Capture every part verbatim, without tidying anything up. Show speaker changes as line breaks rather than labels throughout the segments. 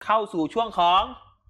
เข้าสู่ช่วงของ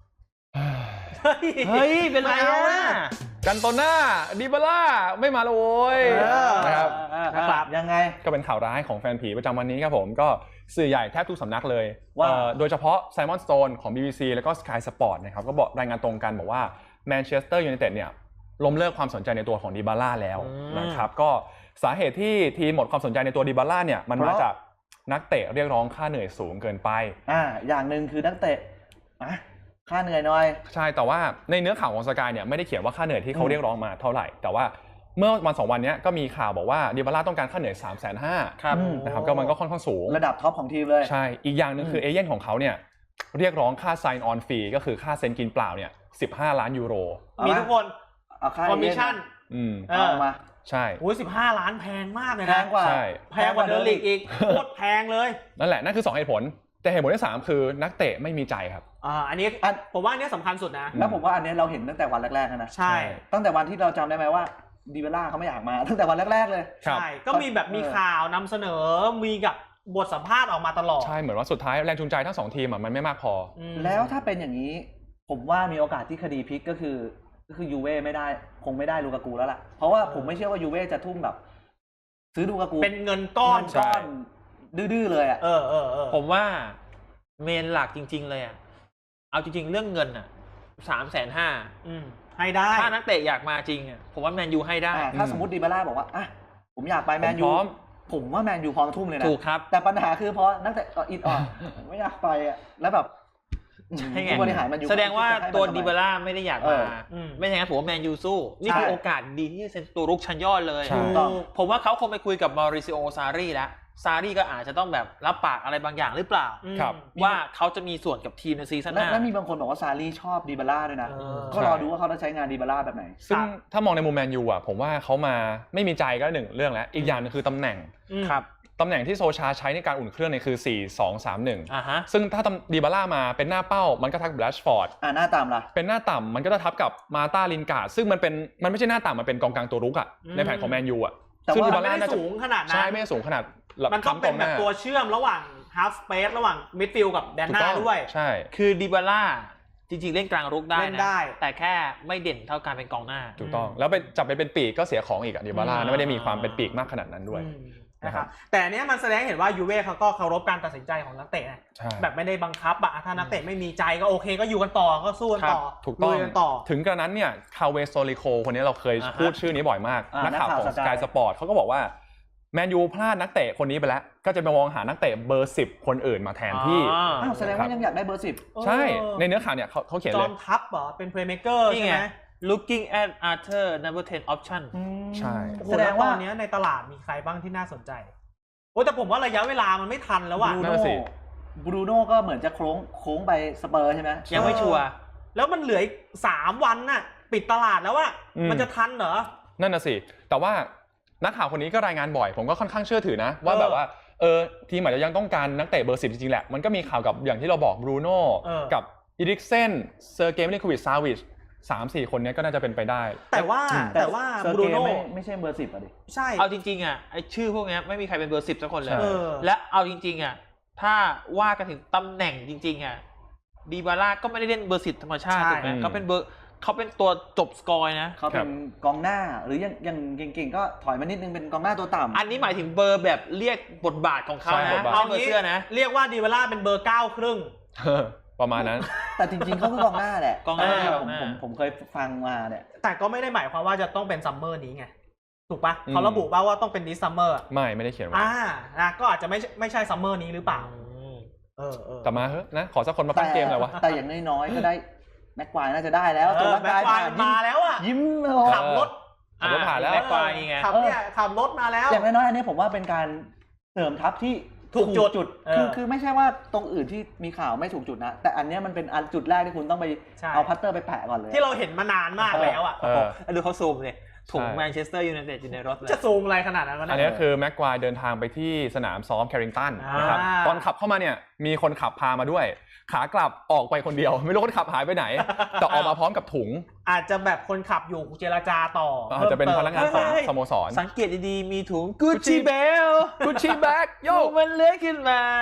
เฮ้ยเป็นไรอ่ะ
กันโตน่าดิบาล่าไม่มาเลยโว้ยนะครับ
นะครับยังไง
ก็เป็นข่าวร้ายของแฟนผีประจำวันนี้ครับผมก็สื่อใหญ่แทบทุกสำนักเลยว่าโดยเฉพาะไซมอนสโตนของ บี บี ซี แล้วก็ Sky Sport นะครับก็บอกรายงานตรงกันบอกว่าแมนเชสเตอร์ยูไนเต็ดเนี่ยล้มเลิกความสนใจในตัวของดิบาล่าแล้วนะครับก็สาเหตุที่ทีมหมดความสนใจในตัวดิบาล่าเนี่ยมันมาจากนักเตะเรียกร้องค่าเหนื่อยสูงเกินไป
อ่าอย่างหนึ่งคือนักเตะอ่ะค่าเหนื่อยน้อย
ใช่แต่ว่าในเนื้อข่าวของสกายเนี่ยไม่ได้เขียนว่าค่าเหนื่อยที่เขาเรียกร้องมาเท่าไหร่แต่ว่าเมื่อวันสองวันนี้ก็มีข่าวบอกว่าดิบาล่าต้องการค่าเหนื่อย สามแสนห้าหมื่น นะครับก็มันก็ค่อนข้างสูง
ระดับท็อปของทีมเลย
ใช่อีกอย่างนึงคือเอเย่นของเขาเนี่ยเรียกร้องค่า sign on fee ก็คือค่าเซ็นกินเปล่าเนี่ยสิบห้าล้านยูโร
มีทุกคนคอมมิชชั่น
อืม
เอามา
ใช่
โอ้ยสิบห้าล้านแพงมากเลยนะ
แพงกว่า
แพงกว่าเดอร์ลิกอีกโคตรแพงเลย
นั่นแหละนั่นคือสองเหตุผลแต่เหตุผลที่สามคือนักเตะไม่มีใจครับ
อ่าอันนี้ผมว่าอันนี้สำคัญสุดนะ
แล้วผมว่าอันนี้เราเห็นตั้งแต่วันแรกๆนะ
ใช่
ตั้งแต่วันที่เราจำได้ไหมว่าดิบาล่าเขาไม่อยากมาตั้งแต่วันแรกๆเลย
ใช่ก็มีแบบมีข่าวนำเสนอมีกับบทสัมภาษณ์ออกมาตลอด
ใช่เหมือนว่าสุดท้ายแรงจูงใจทั้งสองทีมมันไม่มากพอ
แล้วถ้าเป็นอย่างนี้ผมว่ามีโอกาสที่คดีพลิกก็คือก็คือยูเว่ไม่ได้คงไม่ได้ลูกากูแล้วล่ะเพราะว่าผมไม่เชื่อว่ายูเว่จะทุ่มแบบซื้อลูกากู
เป็นเงินก้อน
ก้อนดื้อๆเลยอ่ะ
เออเออเออผมว่าเมนหลักจริงๆเลยอ่ะเอาจริงๆเรื่องเงินอ่ะสามแสนห้าให้ได้ถ้านักเตะอยากมาจริงอ่ะผมว่าแมนยูให้ได้
ถ้าสมมติดิบาล่าบอกว่าอ่ะผมอยากไปแมนยูผมว่าแมนยูพร้อมทุ่มเลยนะ
ถูกครับ
แต่ปัญหาคือเพราะนักเตะอิดออดไม่อยากไปอ่ะแล้วแบบ
บริหารมันอยู่แสดงว่าตัวดิบาล่าไม่ได้อยากมาไม่อย่างนั้นผมว่าแมนยูสู้นี่คือโอกาสดีที่จะเป็นตัวรุกชั้นยอดเลยผมว่าเขาคงไปคุยกับมาริซิโอซารีแล้วซารีก็อาจจะต้องแบบรับปากอะไรบางอย่างหรือเปล่าว่าเขาจะมีส่วนกับทีมในซีซั่นหน้า
แล้วมีบางคนบอกว่าซารีชอบดิบาล่าด้วยนะก็รอดูว่าเขาจะใช้งานดิบาล่าแบบไหน
ซึ่งถ้ามองในมุมแมนยูอ่ะผมว่าเขามาไม่มีใจก็หนึ่งเรื่องแล้วอีกอย่างนึงคือตำแหน่ง
ครับ
ตำแหน่งที่โซชาใช้ในการอุ่นเครื่องเนี่ยคือสี่ สอง สาม หนึ่ง
อ่าฮะ
ซึ่งถ้าดิบาล่ามาเป็นหน้าเป้ามันก็ทับแบลชฟอร์ด
อ่าหน้าต่ำล่ะ
เป็นหน้าต่ำมันก็จะทับกับมาตาลินการ์ดซึ่งมันเป็นมันไม่ใช่หน้าต่ำมันเป็นกองกลางตัวรุกอ่ะในแผนของแมนยูอ่ะ
ซึ่งดิบาล่าไม่สูงขนาดนั้น
ใช่ไม่สูงขนาด
มันต้องเป็นแบบตัวเชื่อมระหว่างฮาล์ฟสเปซระหว่างมิดฟิลด์กับแดนหน้าด้วย
ใช่
คือดิบาล่าจริงๆเล่นกลางรุกได้นะแต่แค่ไม่เด่นเท่าการเป็นกองหน้า
ถูกต้องแล้วไปจับไปเป็นปีกก็เสียของอีกอ่ะดิบาล่าไม่ได้มีความเป็นปีกมากขนาดนั้นด้วย
นะครับแต่เนี้ยมันแสดงเห็นว่ายูเว่เขาก็เคารพการตัดสินใจของนักเตะแบบไม่ได้บังคับอะถ้านักเตะไม่มีใจก็โอเคก็อยู่กันต่อก็สู้กันต่อ
ถูกต้องถึงกระนั้นเนี่ยคาเวโซลิโคคนนี้เราเคยพูดชื่อนี้บ่อยมากนักข่าวของ Sky Sport เขาก็บอกว่าแมนยูพลาดนักเตะคนนี้ไปแล้วก็จะไปมองหานักเตะเบอร์สิบคนอื่นมาแทนที่
อ้าวแสดงว่ายังอยากได้เบอร์สิบ
ใช่ในเนื้อข่าวเนี่ยเขาเขาเขียนเลย
จอมทัพเหรอเป็นเพลย์เมคเกอร์ใช่ไหม looking at Arthur number ten option
ใช่
แสดงว่าตอนนี้ในตลาดมีใครบ้างที่น่าสนใจโอ้แต่ผมว่าระยะเวลามันไม่ทันแล้วว่ะ
บรูโน่บรูโน่ก็เหมือนจะโค้งโค้งไปสเปอร์ใช่ไหม
ยังไม่ชัวร์แล้วมันเหลืออีกสามวันน่ะปิดตลาดแล้วว่ามันจะทันเหรอ
นั่นน่ะสิแต่ว่านักข่าวคนนี้ก็รายงานบ่อยผมก็ค่อนข้างเชื่อถือนะว่าแบบว่าเออทีมอาจจะยังต้องการนักเตะเบอร์สิบจริงๆแหละมันก็มีข่าวกับอย่างที่เราบอกบรูโน่กับอีริกเซนเซอร์เกย์มิลิโควิชซาวิชสามสี่คนนี้ก็น่าจะเป็นไปได้
แต่ว่าแต่ว่าบรูโน่
ไม่ใช่เบอร์สิบอ่ะดิ
ใช่เอาจริงๆอ่ะไอชื่อพวกนี้ไม่มีใครเป็นเบอร์สิบสักคนเลยและเอาจริงๆอ่ะถ้าว่ากันถึงตำแหน่งจริงๆอ่ะดิบาล่าก็ไม่ได้เล่นเบอร์สิบธรรมชาติถูกไหมเขาเป็นเบอร์เขาเป็นตัวจบสกอร์นะ
เขาเป็นกองหน้าหรือยังยังเก่งๆก็ถอยมานิดนึงเป็นกองหน้าตัวต่ำ
อันนี้หมายถึงเบอร์แบบเรียกบทบาทของเขานะเอาเบอร์เสื้อนะเรียกว่าดิบาล่าเป็นเบอร์เก้าครึ่ง
ประมาณนั้น
แต่จริงๆเขาคือกองหน้าแหละ
กองหน้า
ผมผมผมเคยฟังมาเนี่ย
แต่ก็ไม่ได้หมายความว่าจะต้องเป็นซัมเมอร์นี้ไงถูกปะเขาระบุป่าว่าต้องเป็นดิสซัมเมอร์
ไม่ไม่ได้เขียนไว้
อ่านะก็อาจจะไม่ไม่ใช่ซัมเมอร์นี้หรือเปล่า
เออเออแต่มาเฮ้ยนะขอสักคนมาปั้นเกมเลยวะ
แต่อย่างน้อยๆก็ได้แม็กควายน่าจะได้แล้ว
ตัวแม็กควายมาแล้วอ่ะ
ยิ้ม
ขับรถ
ขับรถผ่านแล้ว
แม็กควายไงขับเนี่ยขับรถมาแล้ว
อย่างน้อยๆอันนี้ผมว่าเป็นการเสริมทัพที่
ถูกจุด
จุดคือคือไม่ใช่ว่าตรงอื่นที่มีข่าวไม่ถูกจุดนะแต่อันนี้มันเป็นอันจุดแรกที่คุณต้องไปเอาพัตเตอร์ไปแปะก่อนเลย
ที่เราเห็นมานานมากแล้วอ่ะดูเขาซูมเลยถุงแมนเชสเตอร์ยูไนเต็ดอยู่ในรถเลยจะซูมอะไรขนาดนั้น
อันนี้คือแม็กควายเดินทางไปที่สนามซ้อมแคริงตันนะครับตอนขับเข้ามาเนี่ยมีคนขับพามาด้วยขากลับออกไปคนเดียวไม่รู้คนขับหายไปไหนแต่ออกมาพร้อมกับถุง
อาจจะแบบคนขับอยู่เจรจาต่อ
อาจจะเป็นพนักงานของสโมสร
สังเกตดีๆมีถุงกุชชี่เบล
กุชชี่แบ็กโย
มันเลื้อยขึ้นมา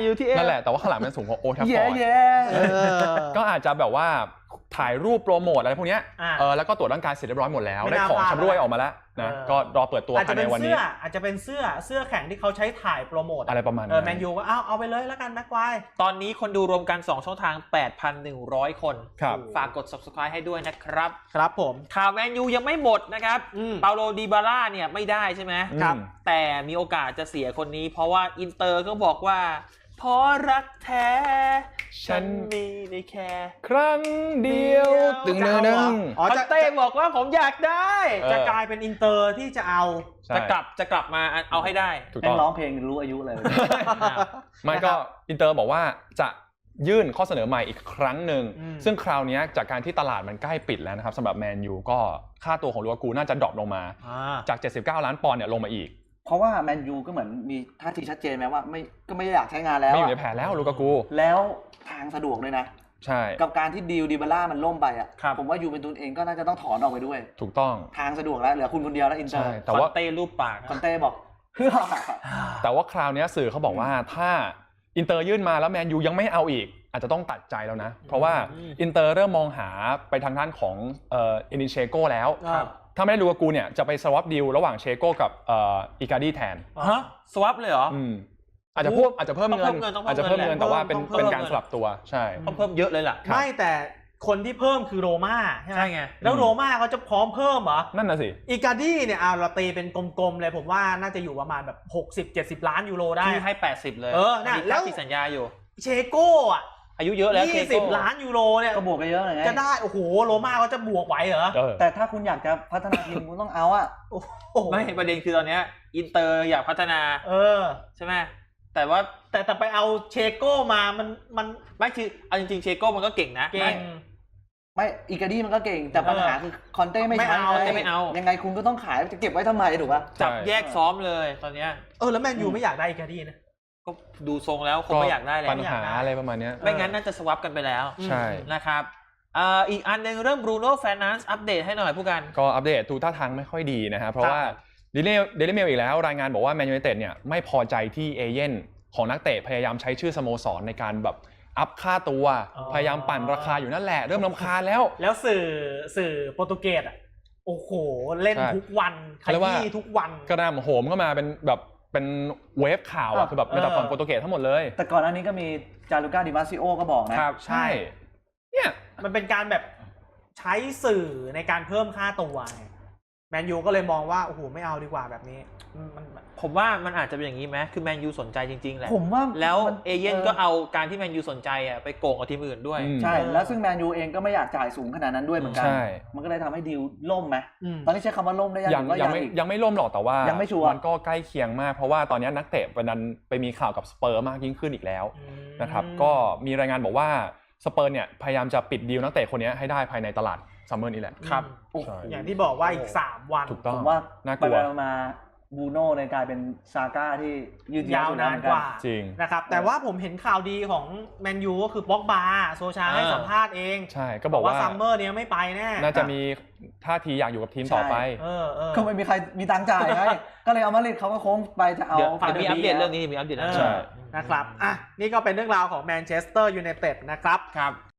ยูทีเอฟ
นั่นแหละแต่ว่าข้างหลังมันสูงกว่าโอทัฟฟ
เย้
อร์ด
เย้
ก็อาจจะแบบว่าถ่ายรูปโปรโมทอะไรพวกเนี้ย
อ่า
เออแล้วก็ตรวจร่างกายเสร็จเรียบร้อยหมดแล้ว
ไม่
ได้
น่า
ของ
พลาด
ชำร่วยออกมาแล้วนะ
เออ
ก็รอเปิดตัว
อาจ
ภา
จะ
ย
เป็
ใน
น
วัน
เสื้
นี้
ออาจจะเป็นเสื้อเสื้อแข่งที่เขาใช้ถ่ายโปรโมท
อะไรประมาณนั้น
เออแมนยูก็เอาเอาไปเลยแล้วกันแม็กควาย
ตอนนี้คนดูรวมกันสองช่องทาง แปดพันหนึ่งร้อย คน
ครับ
ฝากกด Subscribe ให้ด้วยนะครับ
ครับผม
ข่าวแมนยูยังไม่หมดนะครับ
อืม
เปาโลดีบาร่าเนี่ยไม่ได้ใช่ไหม
ครับ
แต่มีโอกาสจะเสียคนนี้ เพราะว่าอินเตอร์ก็บอกว่าเพราะรักแท้ ฉันมีในแค่
ครั้งเดียวตึงเนื้อนึง
อ๋อ
คอน
จะ
เต้บอกว่าผมอยากได้
เออ
จะกลายเป็นอินเตอร์ที่จะเอา
ใช่
จะกลับจะกลับมาเอาให้ได้
ถูก
เป็
ต้
น
อง
ร้องเพลงรู้อายุเลย
ไม่ก็อินเตอร์บอกว่าจะยื่นข้อเสนอใหม่อีกครั้งหนึ่ง
อืม
ซึ่งคราวนี้จากการที่ตลาดมันใกล้ปิดแล้วนะครับสำหรับแมนยูก็ค่าตัวของลูกากูน่าจะดรอปลงมา
อ่า
จากเจ็ดสิบเก้าล้านปอนด์เนี่ยลงมาอีก
เพราะว่าแมนยูก็เหมือนมีท่าทีชัดเจนไหมว่าไม่ก็ไม่อยากใช้งานแล้ว
ไม่อยู่ใน
อะ
แผนแล้วลูกากู
แล้วทางสะดวกเลยนะ
ใช่
กับการที่ดีลดิบาร่ามันล่มไปอ่ะ
ครับ
ผมว่ายูเวนตุสเองก็น่าจะต้องถอนออกไปด้วย
ถูกต้อง
ทางสะดวกแล้วเหลือคุณคนเดียวแล้วอินเตอ
ใช่
ร์
แต่
ค
ว่า
อนเต้รูปปากนะ
คอนเต้บอกเพื่อ
แต่ว่าคราวนี้สื่อเขาบอกว่าถ้าอินเตอร์ยื่นมาแล้วแมนยูยังไม่เอาอีก อาจจะต้องตัดใจแล้วนะ เพราะว่าอินเตอร์เริ่มมองหาไปทางด้านของเอ่ออินิเชโก้แล้ว
ครับ
ถ้าไม่ได้ลูกากูเนี่ยจะไปสวอปดีลระหว่างเชโก้กับเอ่ออิการ์ดีแทน
ฮะสวับเลยเหรอ
อืมอาจจะเพิ่มอาจจะเพิ่ม
ต้อง
เงิ
เพิ่
น
มเงินต้องเพิ่ม
อาจจะเพิ่มเงิน
เงิน
แต่ว่าเป็น
ต้องเพิ่ม
เป็นการ
เงิน
สลับตัวใช่
ต้องเพิ่มเยอะเลยล่ะ
ไม่แต่คนที่เพิ่มคือโรม่าใช่ไหม
ใช่ไง
แล้วโรม่าเขาจะพร้อมเพิ่มเหรอ
นั่นน่ะสิ
อีการ์ดี้เนี่ยเอาเราตีเป็นกลมๆเลยผมว่าน่าจะอยู่ประมาณแบบหกสิบ เจ็ดสิบล้านยูโรได้
ที่ให้ แปดสิบ เลย
เออน่ะ
มี
แล้
ค่าว ที่สัญญาอยู่
เชโก้อะ
อายุเยอะแล้ว
ยี่สิบล้านยูโรเนี่ย
ก็บวกกันเยอะเลยไง
จะได้โอ้โหโรม่าเขาจะบวกไหวเหรอ
เออ
แต่ถ้าคุณอยากจะพัฒนาทีมคุณต้องเอาอ่ะ
โอ้โห
ไม่ประเด็นคือตอนเนี้ยอินเตอร์อยากพัฒนา
เออ
ใช่ไหมแต่ว่า
แต่แต่ไปเอาเชโก้มามันมัน
ไม่คือเอาจริงๆเชโก้มันก็เก่งนะ
เก่ง
ไม่อีการ์ดี้มันก็เก่งแต่ปัญหาคือคอนเต้ไม่
ไม่
ใช้
เอา
ไง
ไม่เอา
ยังไงคุณก็ต้องขายจะเก็บไว้ทำไมถูกป่ะ
จับ
ใช่
แยกซ้อมเลยตอนเนี้ย
เออแล้วแมนยูไม่อยากได้อีการ์ดี้นะ
ก็ดูทรงแล้วคงไม่อยากได้แล้ว
ปัญหาอะไรประมาณเนี้ย
ไม่งั้นน่าจะสวับกันไปแล้ว
ใช่
นะครับอ่าอีกอันหนึ่งเรื่องบรูโน่แฟร์นันซ์อัปเดตให้หน่อยผู้กัน
ก็อัปเดตดูท่าทางไม่ค่อยดีนะฮะเพราะว่าเดลิเดลิเมลอีกแล้วรายงานบอกว่าแมนยูไนเต็ดเนี่ยไม่พอใจที่เอเย่นของนักเตะพยายามใช้ชื่อสโมสรในการแบบอัพค่าตัว
อ๋อ
พยายามปั่นราคาอยู่นั่นแหละเริ่มรำคาญแล้ว
แล้วสื่อสื่อโปรตุเกสอ่ะโอ้โหเล่น
ใช่
ทุกวันข
เขาเรียกว่า
ยี้ทุกวัน
กระหน่ำโหมเข้ามาเป็นแบบเป็นเวฟข่าวอ่ะคือแบบในตะฝั่งโปรตุเกสทั้งหมดเลย
แต่ก่อนหน้านี้ก็มีจารุก้าดิมาซิโอก็บอกนะ
ใช่เนี่ย
มันเป็นการแบบใช้สื่อในการเพิ่มค่าตัวไงแมนยูก็เลยมองว่าโอ้โหไม่เอาดีกว่าแบบนี้มันมัน
ผมว่ามันอาจจะเป็นอย่างนี้ไหมคือแมนยูสนใจจริงๆแหละ
ผมว่า
แล้ว
มัน
เอเย่นก็เอาการที่แมนยูสนใจอ่ะไปโกงกับทีมอื่นด้วย
อืม
ใช่แล้วซึ่งแมนยูเองก็ไม่อยากจ่ายสูงขนาดนั้นด้วยเหมือนกัน
ใช่
มันก็เลยทำให้ดีลล่มไหม
อืม
ตอนนี้ใช้คำว่าล่มได้ยัง
ยัง
หรือว่า
ยั
ยัง ง
ไม่
อีก
ยังไม่ล่มหรอกแต่ว่า
ยังไม่ชัวร์
มันก็ใกล้เคียงมากเพราะว่าตอนนี้นักเตะประดันไปมีข่าวกับสเปอร์มากยิ่งขึ้นอีกแล้วนะครับก็มีรายงานบอกว่าสเปอร์เนี่ยพยายามจะปิดดีลนักเตะคนนี้ให้ได้ภายในตลาดซัมเมอร์นี้แหละ
ครับ
โอ้โห
ใช่
อย่างที่บอกว่าอีกสามวัน
ถูกต้อ
ผ
ง
มว่า
น่าก
ไป
ลัว
ๆมาๆบูโน่เนี่ยกลายเป็นซาก้าที่ยืด
ยาวนานกว่า
จริง
นะครับแต่ว่าผมเห็นข่าวดีของแมนยูก็คือป็อกบาโซชาให้
อ่า
สัมภาษณ์เอง
ใช่ก็บอกว่า
ซัมเมอร์เนี้ยไม่ไปแน่
น่าจะมีท่าทีอยากอยู่กับทีมต่อไป
เออเออ
ก็ไม่มีใครมีตังค์จ่ายไง ก็เลยเอามาดริดเขาก็โค้งไปจะเอา
เดี๋ยว
ฝั่ง
จะมีอัปเดตเรื่องนี้มีอัปเดต
เอ
นะ
อ
ใช่
นะครับอ่ะนี่ก็เป็นเรื่องราวของแมนเชสเตอร์ยูไนเต็ดนะครับ
ครับ